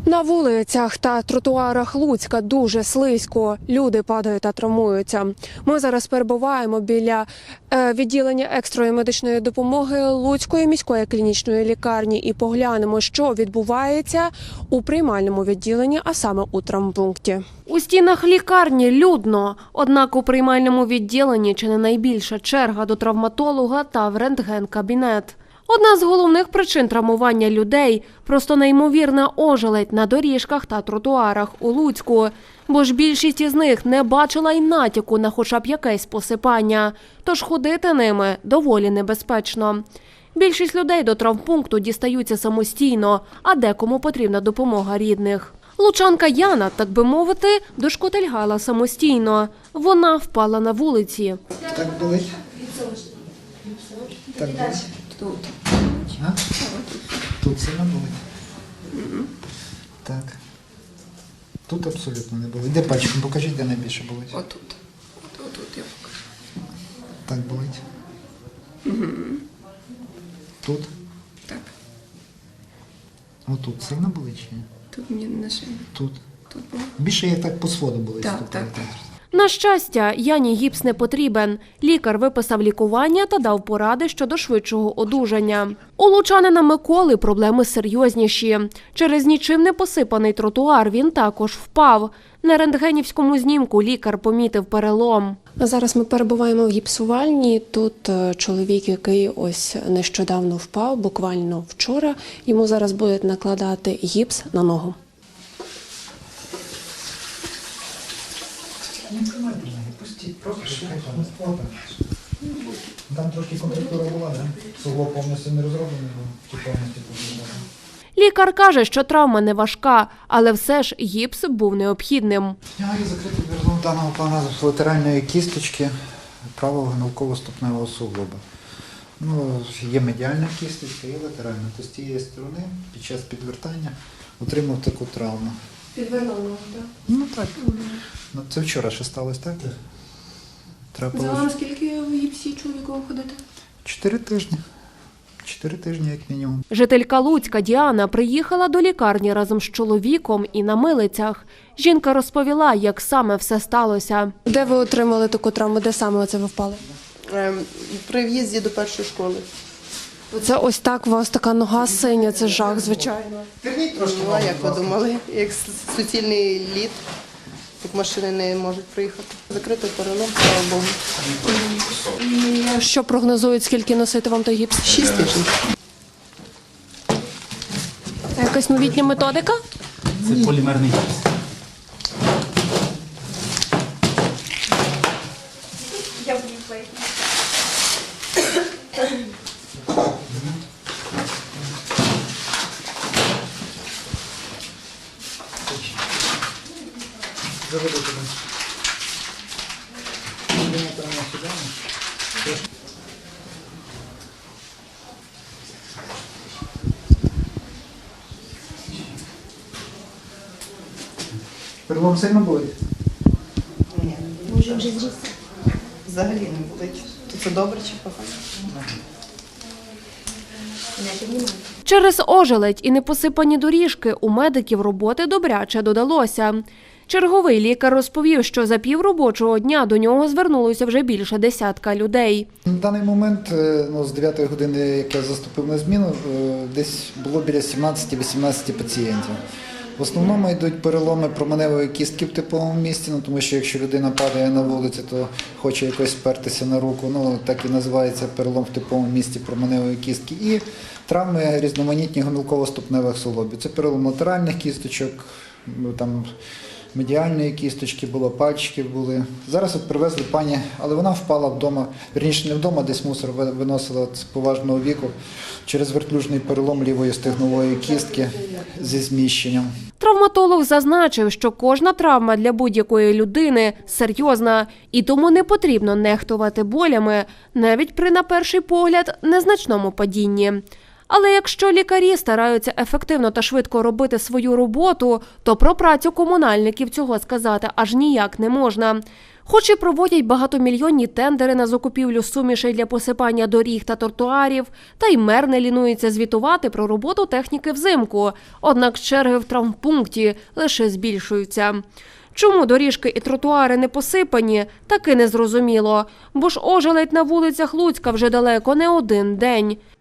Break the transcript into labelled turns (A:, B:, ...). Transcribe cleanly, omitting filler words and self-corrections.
A: На вулицях та тротуарах Луцька дуже слизько. Люди падають та травмуються. Ми зараз перебуваємо біля відділення екстреної медичної допомоги Луцької міської клінічної лікарні і поглянемо, що відбувається у приймальному відділенні, а саме у травмпункті. У стінах лікарні людно, однак у приймальному відділенні чи не найбільша черга до травматолога та в рентген-кабінет. Одна з головних причин травмування людей – просто неймовірна ожеледь на доріжках та тротуарах у Луцьку. Бо ж більшість із них не бачила й натяку на хоча б якесь посипання. Тож ходити ними доволі небезпечно. Більшість людей до травмпункту дістаються самостійно, а декому потрібна допомога рідних. Лучанка Яна, так би мовити, дошкотильгала самостійно. Вона впала на вулиці.
B: Так болить? Так болить?
C: Тут.
B: А? Тут сильно болить? Так. Тут абсолютно не болить. Де пальчиком? Покажіть, де найбільше болить.
C: Отут. Отут я покажу.
B: Так болить? Тут?
C: Так.
B: Отут сильно болить чи ні?
C: Тут мені не шиє.
B: Тут?
C: Тут було.
B: Більше як так по своду болить.
C: Так,
B: стукає.
C: так.
A: На щастя, Яні гіпс не потрібен. Лікар виписав лікування та дав поради щодо швидшого одужання. У лучанина Миколи проблеми серйозніші. Через нічим не посипаний тротуар він також впав. На рентгенівському знімку лікар помітив перелом. Зараз ми перебуваємо в гіпсувальні. Тут чоловік, який ось нещодавно впав, буквально вчора. Йому зараз будуть накладати гіпс на ногу.
B: Не тримайте ноги, пустіть, просто шукайте. Там трошки контрактура була, так? Суглоб повністю не розроблений, бо чи повністю побудований.
A: Лікар каже, що травма не важка, але все ж гіпс був необхідним.
B: Знімаю закритий перелом даного плана латеральної кісточки правого гомілково-ступневого суглоба. Ну, є медіальна кісточка і латеральна. То з тієї сторони під час підвертання отримав таку травму.
A: Підвернуло, так?
B: Ну так. Ну, це вчора ще сталося, так? Трапилось.
A: скільки в гіпсі чоловіку ходити?
B: 4 тижні. 4 тижні, як мінімум.
A: Жителька Луцька Діана приїхала до лікарні разом з чоловіком і на милицях. Жінка розповіла, як саме все сталося. Де ви отримали таку травму? Де саме оце ви впали?
D: При в'їзді до першої школи.
A: Це ось так, у вас така нога синя, це жах, звичайно.
D: Була, як ви думали, як суцільний лід, як машини не можуть приїхати. Закритий перелом, слава Богу.
A: Що прогнозують, скільки носити вам той гіпс?
D: 6 тижнів.
A: Це якась новітня методика?
E: Це полімерний гіпс.
B: Заведу тебе. Перелом сильно болить?
D: Ні. Взагалі не болить. То це добре чи погано?
A: Через ожеледь і непосипані доріжки у медиків роботи добряче додалося. Черговий лікар розповів, що за півробочого дня до нього звернулося вже більше десятка людей.
B: На даний момент, з 9 години, як я заступив на зміну, десь було біля 17-18 пацієнтів. В основному йдуть переломи променевої кістки в типовому місці, тому що якщо людина падає на вулиці, то хоче якось спертися на руку, так і називається перелом в типовому місці променевої кістки. І травми різноманітні гомілково-ступневих суглобів. Це перелом латеральних кісточок, там медіальної кісточки було, пальчики були. Зараз от привезли пані, але вона впала вдома, вірніше не вдома, десь мусор виносила з поважного віку через вертлюжний перелом лівої стегнової кістки зі зміщенням.
A: Травматолог зазначив, що кожна травма для будь-якої людини серйозна, і тому не потрібно нехтувати болями, навіть при, на перший погляд, незначному падінні. Але якщо лікарі стараються ефективно та швидко робити свою роботу, то про працю комунальників цього сказати аж ніяк не можна. Хоч і проводять багатомільйонні тендери на закупівлю сумішей для посипання доріг та тротуарів, та й мер не лінується звітувати про роботу техніки взимку. Однак черги в травмпункті лише збільшуються. Чому доріжки і тротуари не посипані, таки не зрозуміло. Бо ж ожеледь на вулицях Луцька вже далеко не один день.